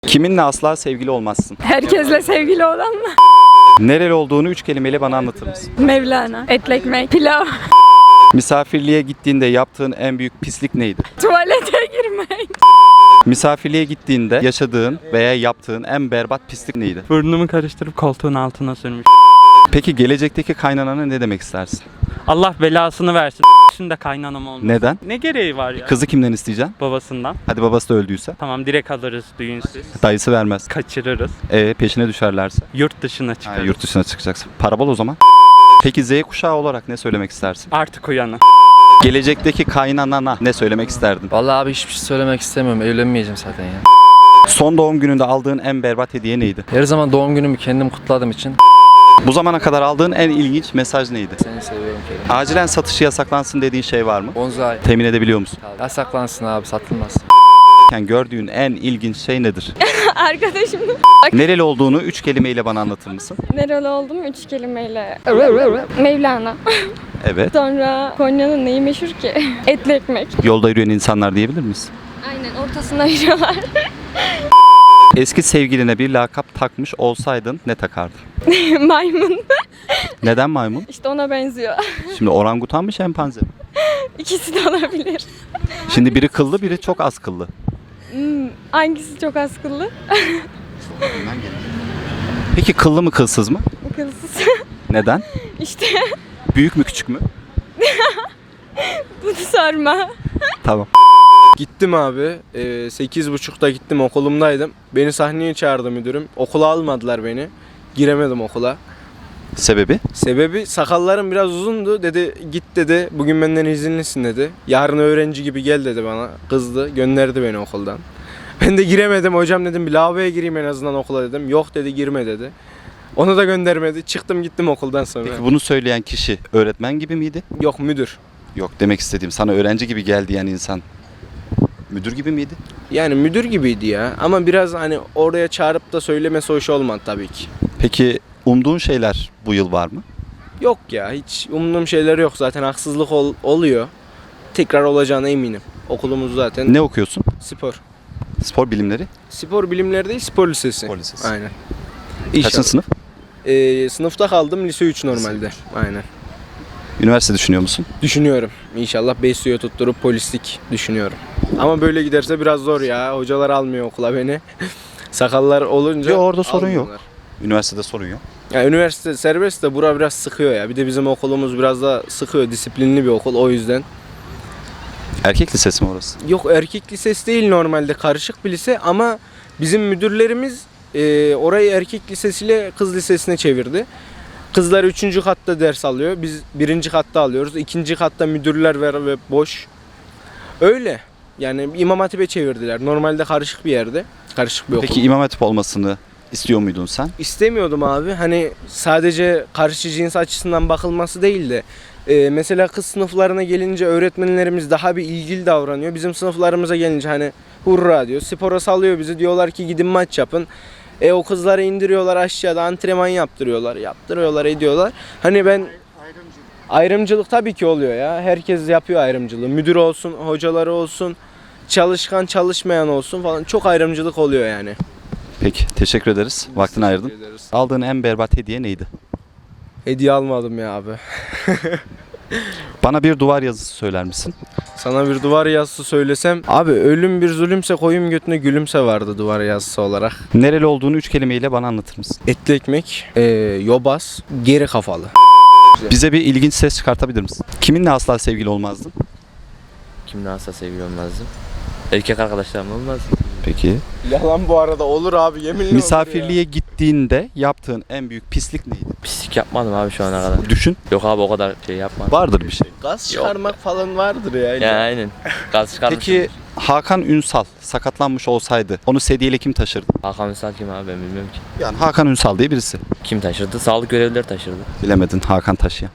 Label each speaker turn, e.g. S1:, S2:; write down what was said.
S1: Kiminle asla sevgili olmazsın?
S2: Herkesle sevgili olan mı?
S1: Nereli olduğunu 3 kelimeyle bana anlatır mısın?
S2: Mevlana. Etli ekmek. Pilav.
S1: Misafirliğe gittiğinde yaptığın en büyük pislik neydi?
S2: Tuvalete girmek.
S1: Misafirliğe gittiğinde yaşadığın veya yaptığın en berbat pislik neydi?
S3: Burnumu karıştırıp koltuğun altına sürmüş.
S1: Peki gelecekteki kaynanana ne demek istersin?
S3: Allah belasını versin. Şimdi kaynanam olmuş.
S1: Neden?
S3: Ne gereği var ya?
S1: Kızı kimden isteyeceksin?
S3: Babasından.
S1: Hadi babası da öldüyse.
S3: Tamam direkt alırız düğünsüz.
S1: Dayısı vermez.
S3: Kaçırırız.
S1: Peşine düşerlerse?
S3: Yurt dışına
S1: Ha,
S3: çıkarız.
S1: yurt dışına çıkacaksın. Para bol o zaman. Peki Z kuşağı olarak ne söylemek istersin?
S3: Artık uyanın.
S1: Gelecekteki kaynanana ne söylemek isterdin?
S4: Vallahi abi hiçbir şey söylemek istemiyorum. Evlenmeyeceğim zaten ya.
S1: Son doğum gününde aldığın en berbat hediye neydi?
S4: Her zaman doğum günümü kendim kutladığım için
S1: Bu zamana kadar aldığın en ilginç mesaj neydi?
S4: seni seviyorum Kerim.
S1: Acilen satışı yasaklansın dediğin şey var mı?
S4: Bonzai.
S1: Temin edebiliyor musun?
S4: Yasaklansın abi, satılmaz.
S1: Yani gördüğün en ilginç şey nedir?
S2: Arkadaşım.
S1: Nereli olduğunu 3 kelimeyle bana anlatır mısın?
S2: Nereli oldum? 3 kelimeyle. Mevlana.
S1: Evet.
S2: Sonra Konya'nın neyi meşhur ki? Etli ekmek.
S1: Yolda yürüyen insanlar diyebilir miyiz?
S2: Aynen ortasına ayırıyorlar.
S1: Eski sevgiline bir lakap takmış olsaydın ne takardın?
S2: Maymun.
S1: Neden maymun?
S2: İşte ona benziyor.
S1: Şimdi orangutan mı şempanze mi?
S2: İkisi de olabilir.
S1: Şimdi biri kıllı biri çok az kıllı.
S2: Hangisi çok az kıllı?
S1: Peki kıllı mı kılsız mı?
S2: Kılsız.
S1: Neden?
S2: İşte
S1: Büyük mü küçük mü?
S2: bunu sorma.
S1: Tamam.
S5: Gittim abi. 8.30'da gittim, okulumdaydım. Beni sahneye çağırdı müdürüm. Okula almadılar beni. Giremedim okula.
S1: Sebebi?
S5: Sebebi sakallarım biraz uzundu. Dedi git dedi. Bugün benden izinlisin dedi. Yarın öğrenci gibi gel dedi bana. Kızdı. Gönderdi beni okuldan. Ben de giremedim. Hocam dedim bir lavaboya gireyim en azından okula dedim. Yok dedi girme dedi. Onu da göndermedi. Çıktım gittim okuldan sonra.
S1: Peki bunu söyleyen kişi öğretmen gibi miydi?
S5: Yok müdür.
S1: Yok, demek istediğim sana öğrenci gibi gel diyen insan müdür gibi miydi?
S5: Yani müdür gibiydi ya. Ama biraz hani oraya çağırıp da söylemesi hoş olmadı tabii ki.
S1: Peki umduğun şeyler bu yıl var mı?
S5: Yok ya, hiç umduğum şeyler yok. Zaten haksızlık oluyor. Tekrar olacağına eminim. Okulumuz zaten
S1: Ne okuyorsun?
S5: spor.
S1: Spor bilimleri.
S5: Spor bilimleri değil, spor lisesi.
S1: Spor lisesi.
S5: Aynen.
S1: Kaçıncı sınıf?
S5: Sınıfta kaldım, lise 3 normalde. Aynen.
S1: Üniversite düşünüyor musun?
S5: Düşünüyorum. İnşallah BSU'ya tutturup polislik düşünüyorum. Ama böyle giderse biraz zor ya. Hocalar almıyor okula beni. Sakallar olunca
S1: Yok, orada sorun yok.
S5: almıyorlar.
S1: Üniversitede sorun yok.
S5: Ya üniversite serbest de bura biraz sıkıyor ya. Bir de bizim okulumuz biraz da sıkıyor. Disiplinli bir okul o yüzden.
S1: Erkek lisesi mi orası?
S5: Yok, erkek lisesi değil, normalde karışık bir lise ama bizim müdürlerimiz orayı erkek lisesiyle kız lisesine çevirdi. Kızlar 3. katta ders alıyor. Biz 1. katta alıyoruz. 2. katta müdürler var ve boş. Öyle. Yani İmam Hatip'e çevirdiler. Normalde karışık bir yerde. Karışık bir okul.
S1: Peki İmam Hatip olmasını istiyor muydun sen?
S5: İstemiyordum abi. Hani sadece karşı cins açısından bakılması değil de mesela kız sınıflarına gelince öğretmenlerimiz daha bir ilgili davranıyor. Bizim sınıflarımıza gelince hani hurra diyor. Spora salıyor bizi. Diyorlar ki gidin maç yapın. O kızları indiriyorlar aşağıda, antrenman yaptırıyorlar. Yaptırıyorlar, ediyorlar. Hani ben ayrımcılık tabii ki oluyor ya. Herkes yapıyor ayrımcılığı. Müdür olsun, hocaları olsun, çalışkan çalışmayan olsun falan. Çok ayrımcılık oluyor yani.
S1: Peki, teşekkür ederiz. Vaktini ayırdın. Aldığın en berbat hediye neydi?
S5: Hediye almadım ya abi.
S1: Bana bir duvar yazısı söyler misin?
S5: Sana bir duvar yazısı söylesem. Abi ölüm bir zulümse koyun götüne gülümse vardı duvar yazısı olarak.
S1: Nereli olduğunu 3 kelimeyle bana anlatır mısın?
S5: Etli ekmek, yobaz, geri kafalı.
S1: Bize bir ilginç ses çıkartabilir misin? Kiminle asla sevgili olmazdın?
S6: Kimle asla sevgili olmazdım? Erkek arkadaşlarım olmaz.
S1: Peki.
S5: Yalan bu arada, olur abi, yeminle
S1: Misafirliğe gittiğinde yaptığın en büyük pislik neydi?
S6: Pislik yapmadım abi şu ana kadar.
S1: Düşün.
S6: Yok abi o kadar şey yapmadım.
S1: Vardır bir şey.
S5: Gaz çıkarmak falan vardır ya.
S6: Ya aynen. Gaz çıkarmışım.
S1: Peki Hakan Ünsal sakatlanmış olsaydı onu sedyeyle kim taşırdı?
S6: Hakan Ünsal kim abi ben bilmiyorum ki.
S1: Yani Hakan Ünsal diye birisi.
S6: Kim taşırdı? Sağlık görevlileri taşırdı.
S1: Bilemedin Hakan taşıyan.